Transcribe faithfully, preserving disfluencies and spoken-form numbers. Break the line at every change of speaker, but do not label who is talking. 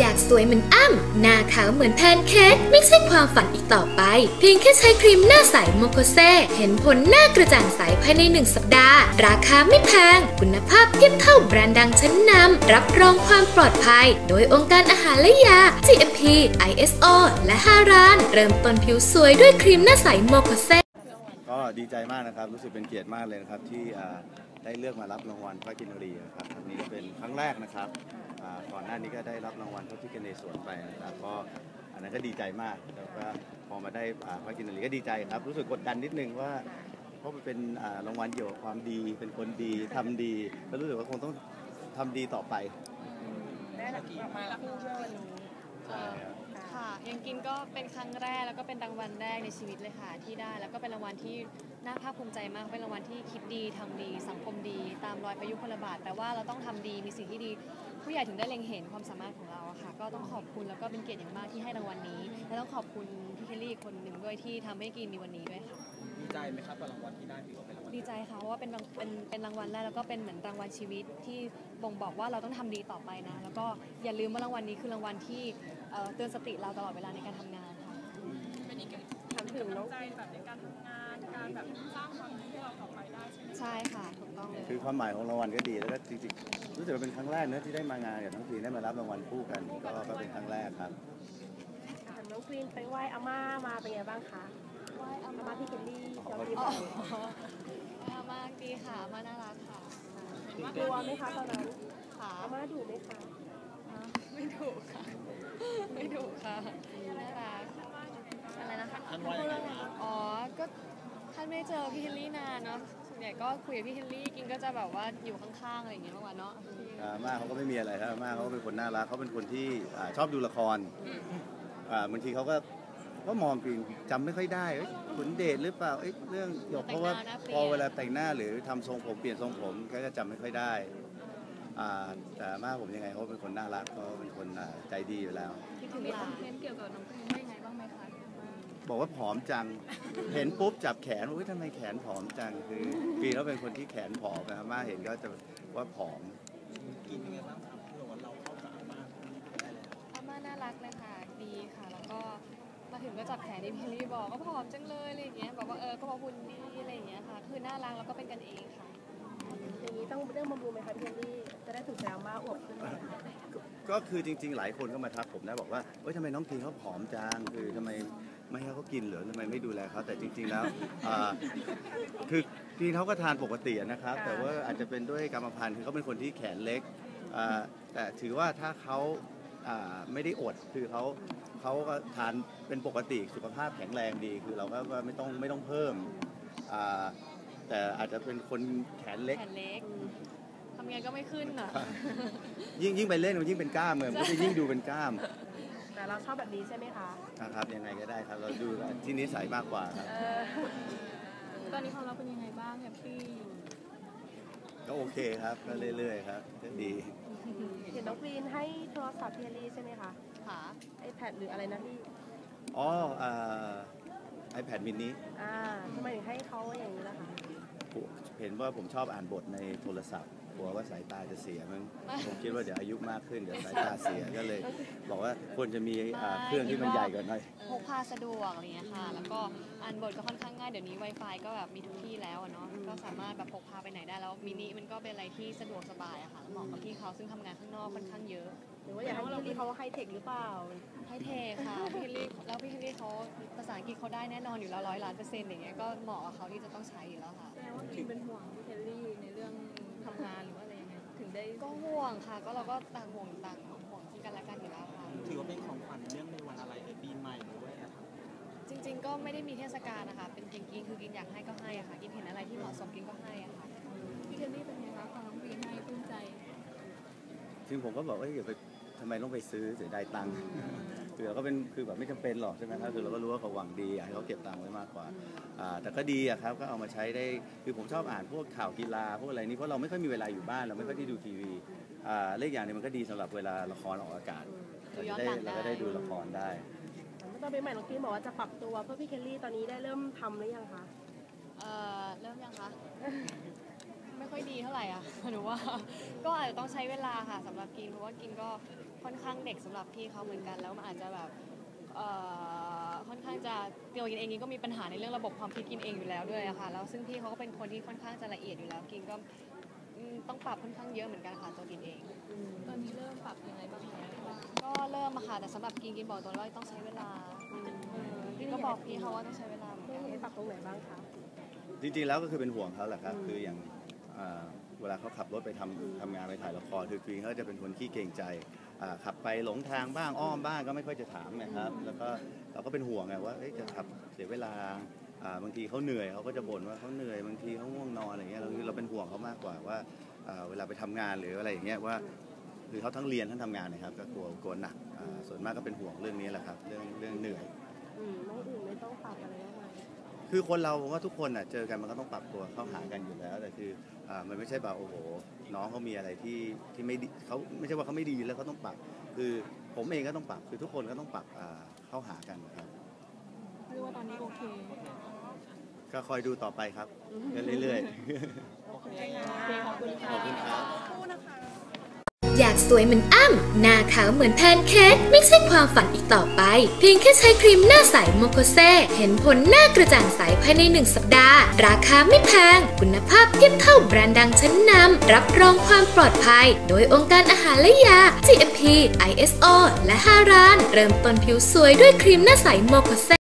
ากสวยเหมือนอ้ำหน้าขาวเหมือนแพนเค้กไม่ใช่ความฝันอีกต่อไปเพียงแค่ใช้ครีมหน้าใสโมโคเซเห็นผลหน้ากระจ่างใสภายในหนึ่งสัปดาห์ราคาไม่แพงคุณภาพเทียบเท่าแบรนด์ดังชั้นนำรับรองความปลอดภัยโดยองค์การอาหารและยา จี เอ็ม พี ไอ เอส โอ และฮารานเริ่มต้นผิวสวยด้วยครีมหน้าใสโมโคเซ
ก็ดีใจมากนะครับรู้สึกเป็นเกียรติมากเลยนะครับที่ได้เลือกมารับรางวัลพระกินรีนะครับครั้งนี้เป็นครั้งแรกนะครับก่อนหน้านี้ก็ได้รับรางวัลพระพิฆเนศสวนไปนะครับก็อันนั้นก็ดีใจมากแล้วก็พอมาได้พระกินรีก็ดีใจครับรู้สึกกดดันนิดนึงว่าเพราะมันเป็นรางวัลเกี่ยวกับความดีเป็นคนดีทำดีก็รู้สึกว่าคงต้องทำดีต่อไป
ได้รับมารับรางวัลนี้ค่ะยังกินก็เป็นครั้งแรกแล้วก็เป็นรางวัลแรกในชีวิตเลยค่ะที่ได้แล้วก็เป็นรางวัลที่น่าภาคภูมิใจมากเป็นรางวัลที่คิดดีทำดีสังคมดีตามรอยพยุคลบาทแต่ว่าเราต้องทำดีมีสิ่งที่ดีผู้ใหญ่ถึงได้เล็งเห็นความสามารถของเราค่ะก็ต้องขอบคุณแล้วก็เป็นเกียรติอย่างมากที่ให้รางวัลนี้และต้องขอบคุณพี่เคลลี่คนหนึ่งด้วยที่ทำให้กินมีวันนี้ด้วยค่ะ
ดีใจไหมครับกับรางวัลที่ได้ถือว่าเป็นรางวัล
ดีใจค่ะเพราะว่าเป็นเป็นเป็นรางวัลแรกแล้วก็เป็นเหมือนรางวัลชีวิตที่บ่งบอกว่าเราต้องทำดีต่อไปนะแล้วก็อย่าลืมว่ารางวัลนี้คือรางวัลที่เตือนสติเราตลอดเวลาในการทำงานค่ะ
เป็นอีกทำถึงน้องใจแบบในการทำงานการแบบสร้างความดีให้เราต่อไปได้ใช่ไหม
ใช่ค่ะถูกต้องเลย
คือความหมายของรางวัลก็ดีแล้วก็จริงๆรู้สึกว่าเป็นครั้งแรกเนอะที่ได้มางานกับน้องพีได้มารับรางวัลคู่กันก็ก็เป็นครั้งแรกครับ
น้องพีนไปไหว้อาม่ามาเป็นไงบ้างคะ
ไหว้อา
ม่าพี่เคลลี่
เราดีอาม่าดีค่ะอาม่าน่ารักค่ะ
กลัวไหมคะตอนนั้น
ค่ะ
อาม่าดุไหมคะ
ไม่ดุค่ะไม่ดุค่ะน่ารักอะไรนะคะ
ท่านว่ายังไงครับ
อ๋อก็ท่านไม่เจอพี่เคลลี่นานเนาะส่วนใหญ่ก็คุยกับพี่เคลลี่กินก็จะแบบว่าอยู่ข้างๆอะไรอย่างเงี้ยมากกว่าเนาะ
อาม่าเขาก็ไม่มีอะไรครับอาม่าเขาก็เป็นคนน่ารักเขาเป็นคนที่ชอบดูละครบางทีเขาก็ก็มองกินจำไม่ค่อยได้ขุนเดชหรือเปล่าเรื่องหยกเพราะว่าพอเวลาแต่งหน้าหรือทำทรงผมเปลี่ยนทรงผมก็จะจำไม่ค่อยได้แต่มากผมยังไงเขาเป็นคนน่ารักเขาเป็นคนใจดีอยู่แล้ว
คิดถึงคอนเทนต์เกี่ยวกับน้องพีนได้ไงบ้างไหมคะ
บอกว่าผอมจังเห็นปุ๊บจับแขนว่าทำไมแขนผอมจังคือปีเขาเป็นคนที่แขนผอมนะครับมาเห็นก็จะว่าผอม
กินยังไงบ้างครับเราเข้ากับอาม่า
อาม่าน่ารักเลยค่ะดีค่ะแล้วก็มาถึงก็จับแขนที่พี่ลี่บอกก็ผอมจังเลยอะไรอย่างเงี้ยบอกว่าเออก็พอหุ่นดีอะไรอย่างเงี้ยค่ะคือน่ารักแล้วก็เป็นกันเองค่ะ
อย่างนี้ต้องเรื่องบำรุงไหมคะพี่เคลลี่จะได้ถูกแซวมากอวบขึ้น
ก็คือจริงๆหลายคนก็มาทักผมนะบอกว่าเฮ้ยทำไมน้องพีเขาผอมจังคือทำไมไม่ให้เขากินหรือทำไมไม่ดูแลเขาแต่จริงๆแล้วคือพีเขาก็ทานปกตินะครับแต่ว่าอาจจะเป็นด้วยกรรมพันธุ์คือเขาเป็นคนที่แขนเล็กแต่ถือว่าถ้าเขาไม่ได้อดคือเขาเขาก็ทานเป็นปกติสุขภาพแข็งแรงดีคือเราก็ไม่ต้องไม่ต้องเพิ่มแต่อาจจะเป็นคนแขนเล็ก
แขนเล็กทำไงก็ไม่ขึ้นอ่ะ
ยิ่งยิ่งไปเล่นมันยิ่งเป็นกล้ามเลยมันก็จะยิ่งดูเป็นกล้าม
แต่เราชอบแบบนี้ใช่ไหมคะ
ครับยังไงก็ได้ครับเราดูที่นิสัยมากกว่าครับ
ตอนนี้ความรักเป็นยังไงบ้างแฮปปี้
ก็โอเคครับก็เรื่อยๆครับก็ดี
เห็นน้องพีนให้โทรศัพท์พี่เคลลี่ใช่ไหมคะ
ค่ะ
ไอแพดหรืออะไรนะพี่
อ๋อไอแพดมินิ
อ่าทำไมถึงให้เขาอย่างนี้ล่ะคะ
เห็นว่าผมชอบอ่านบทในโทรศัพท์กลัวว่าสายตาจะเสียมั้งผมคิดว่าเดี๋ยวอายุมากขึ้นเดี๋ยวสายตาเสียก็เลยบอกว่าควรจะมีเครื่องที่มันใหญ่กว่าหน่อย
พกพาสะดวกอะไรเงี้ยค่ะแล้วก็อ่านบทก็ค่อนข้างง่ายเดี๋ยวนี้ Wi-Fi ก็แบบมีทุกที่แล้วเนาะก็สามารถแบบพกพาไปไหนได้แล้วมินิมันก็เป็นอะไรที่สะดวกสบายอะค่ะเหมาะกับพี่เขาซึ่งทำงานข้างนอกค่อนข้างเยอะ
หรือว่าอยากให้พี่เคลลี่เขาไฮเทคหรือเปล่า
ไฮเทคค่ะพี่เคลลี่แล้วพี่เคลลี่เขาภาษาอังกฤษเขาได้แน่นอนอยู่แล้วร้อยล้านเปอร์เซ็นต์อย่างเงี้ยก็เหมาะกับเขาที่จะต้องใช้อยู่แล้วค่ะ
แสดงว่าพี่เป็นห่วงพี่เคลลี่ในเรื่องทำงานหรือว่าอะไรยังไงถึงได้
ก็ห่วงค่ะก็เราก็ต่างห่วงต่างห่วงซึ่งกันและกันอยู่แล้วค่ะ
ถือว่าเป็นของขวัญเรื่องในวันอะไรปีใหม่หรือว่าอะไรครับ
จริงๆก็ไม่ได้มีเทศกาลนะคะเป็นจริงๆคือกินอยากให้ก็ให้อะค่ะกินเห็นอะไรที่เหมาะสมกินก็ให้อะค่ะ
พี่เคลลี่เป็นไงคะความน้องพีนให้ปลื้มใจ
จริงผมก็บอกว่าอย่าไปทำไมต้องไปซื้อเสียดายตังค์คือเราก็เป็นคือแบบไม่จำเป็นหรอกใช่ไหมครับคือเราก็รู้ว่าเขาหวังดีอยากให้เขาเก็บตังค์ไว้มากกว่าแต่ก็ดีอะครับก็เอามาใช้ได้คือผมชอบอ่านพวกข่าวกีฬาพวกอะไรนี้เพราะเราไม่ค่อยมีเวลาอยู่บ้านเราไม่ค่อยได้ดูทีวีเลขอย่างนี้มันก็ดีสำหรับเวลาละครออกอากาศเราจะได้เราก็ได้ดูละครได้
เมื่อตอนเป็นใหม่น้องพีนบอกว่าจะปรับตัวเพื่อพี่เคลลี่ตอนนี้ได้เริ่มทำหรือยังคะ
เอ่อเริ่มยังคะไม่ค่อยดีเท่าไหร่อ่ะหนูว่าก็อาจจะต้องใช้เวลาค่ะสำหรับกินเพราะว่ากินก็ค่อนข้างเด็กสำหรับพี่เขาเหมือนกันแล้วมันอาจจะแบบเอ่อค่อนข้างจะตัวกินเองกินก็มีปัญหาในเรื่องระบบความคิดกินเองอยู่แล้วด้วยอะค่ะแล้วซึ่งพี่เขาก็เป็นคนที่ค่อนข้างจะละเอียดอยู่แล้วกินก็อืมต้องปรับค่อนข้างเยอะเหมือนกันค่ะตัวกินเอง
ตอนนี้เริ่มปรับยังไงบ้างแล้ว
ก็เริ่มอะค่ะแต่สำหรับกินกินบอกตัวว่าต้องใช้เวลาเออพี่ก็บอกพี่เขาว่าต้องใช้เวลาเหมือน
พี่
กัน
ให้ปรับตรงไหนบ้างคะ
จริงๆแล้วก็คือเป็นห่วงเขาแหละครับคืออย่างอ่าเวลาเขาขับรถไปทำทำงานไปถ่ายละครคือกรีนเขาจะเป็นคนขี้เกรงใจอ่าขับไปหลงทางบ้างอ้อมบ้างก็ไม่ค่อยจะถามนะครับแล้วก็เราก็เป็นห่วงไงว่าเอ๊ะจะขับเสียเวลาอ่าบางทีเขาเหนื่อยเขาก็จะบ่นว่าเขาเหนื่อยบางทีเขาง่วงนอนอะไรเงี้ยเราเราเป็นห่วงเขามากกว่าว่าอ่าเวลาไปทำงานหรืออะไรอย่างเงี้ยว่าคือเขาทั้งเรียนทั้งทำงานนะครับก็กลัวกลัวหนักอ่าส่วนมากก็เป็นห่วงเรื่องนี้แหละครับเรื่องเรื่องเหนื่อย
อืมน้องอื่นไม่ต้องปรับอะไรมากมาย
คือคนเราผมว่าทุกคนอ่ะเจอกันมันก็ต้องปรับตัวเข้าหากันอยู่แล้วแต่คืออ่ามันไม่ใช่แบบโอ้โหน้องเขามีอะไรที่ที่ไม่ดีเขาไม่ใช่ว่าเขาไม่ดีแล้วเขาต้องปรับ คือผมเองก็ต้องปรับคือทุกคนก็ต้องปรับอ่าเข้าหากันนะครับ
เรียกว่าตอนนี้โอเค
ก็คอยดูต่อไปครับกันเรื่อย
โอเคขอบคุณ
ๆ
ค่ะ
ขอบคุณครับ
คู่นะคะ
อยากสวยเหมือนอ้ำหน้าขาวเหมือนแพนเค้กไม่ใช่ความฝันอีกต่อไป เพียงแค่ใช้ครีมหน้าใสโมโคเซเห็นผลหน้ากระจ่างใสภายในหนึ่งสัปดาห์ ราคาไม่แพง คุณภาพเทียบเท่าแบรนด์ดังชั้นนำรับรองความปลอดภัย โดยองค์การอาหารและยา จี เอ็ม พี ไอ เอส โอ และฮารานเริ่มต้นผิวสวยด้วยครีมหน้าใสโมโคเซ